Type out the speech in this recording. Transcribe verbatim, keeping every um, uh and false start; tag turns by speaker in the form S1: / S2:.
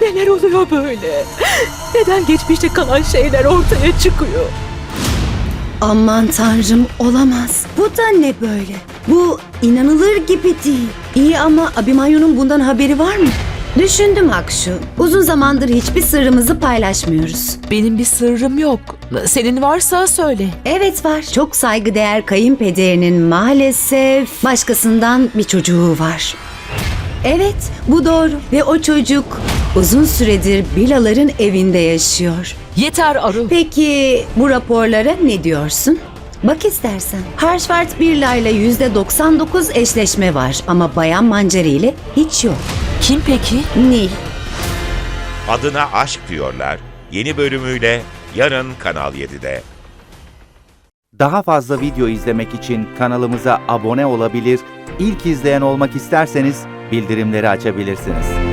S1: Neler oluyor böyle? Neden geçmişte kalan şeyler ortaya çıkıyor?
S2: Aman tanrım, olamaz. Bu da ne böyle? Bu inanılır gibi değil. İyi ama Abimanyu'nun bundan haberi var mı? Düşündüm Akşu. Uzun zamandır hiçbir sırrımızı paylaşmıyoruz.
S1: Benim bir sırrım yok. Senin varsa söyle.
S2: Evet var. Çok saygıdeğer kayınpederinin maalesef başkasından bir çocuğu var. Evet, bu doğru. Ve o çocuk uzun süredir Bilaların evinde yaşıyor.
S1: Yeter Aru.
S2: Peki bu raporlara ne diyorsun? Bak istersen. Harshvart Birla ile yüzde doksan dokuz eşleşme var ama Bayan Mancari ile hiç yok.
S1: Kim peki?
S2: Nil.
S3: Adına Aşk Diyorlar yeni bölümüyle yarın Kanal yedide.
S4: Daha fazla video izlemek için kanalımıza abone olabilir, ilk izleyen olmak isterseniz bildirimleri açabilirsiniz.